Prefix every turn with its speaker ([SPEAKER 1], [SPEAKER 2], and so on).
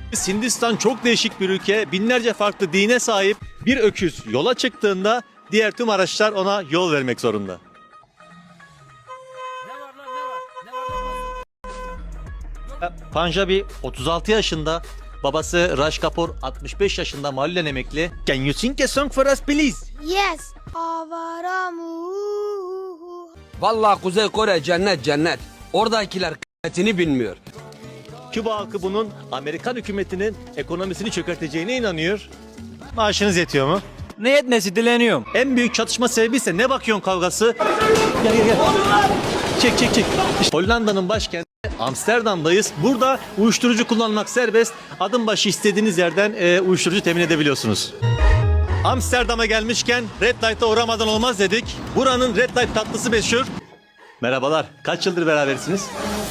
[SPEAKER 1] Hindistan çok değişik bir ülke. Binlerce farklı dine sahip. Bir öküz yola çıktığında diğer tüm araçlar ona yol vermek zorunda. Punjabi 36 yaşında. Babası Raj Kapoor 65 yaşında mahallen emekli. Can you sing a song for us please?
[SPEAKER 2] Yes. Avaramu.
[SPEAKER 3] Vallahi Kuzey Kore cennet cennet. Oradakiler kıymetini bilmiyor.
[SPEAKER 1] Küba halkı bunun Amerikan hükümetinin ekonomisini çökerteceğine inanıyor. Maaşınız yetiyor mu?
[SPEAKER 4] Ne yetmesi dileniyorum.
[SPEAKER 1] En büyük çatışma sebebi ise ne bakıyorsun kavgası? Gel gel gel. Çek çek çek. İşte Hollanda'nın başkenti Amsterdam'dayız. Burada uyuşturucu kullanmak serbest. Adım başı istediğiniz yerden uyuşturucu temin edebiliyorsunuz. Amsterdam'a gelmişken Red Light'a uğramadan olmaz dedik. Buranın Red Light tatlısı meşhur. Merhabalar. Kaç yıldır berabersiniz?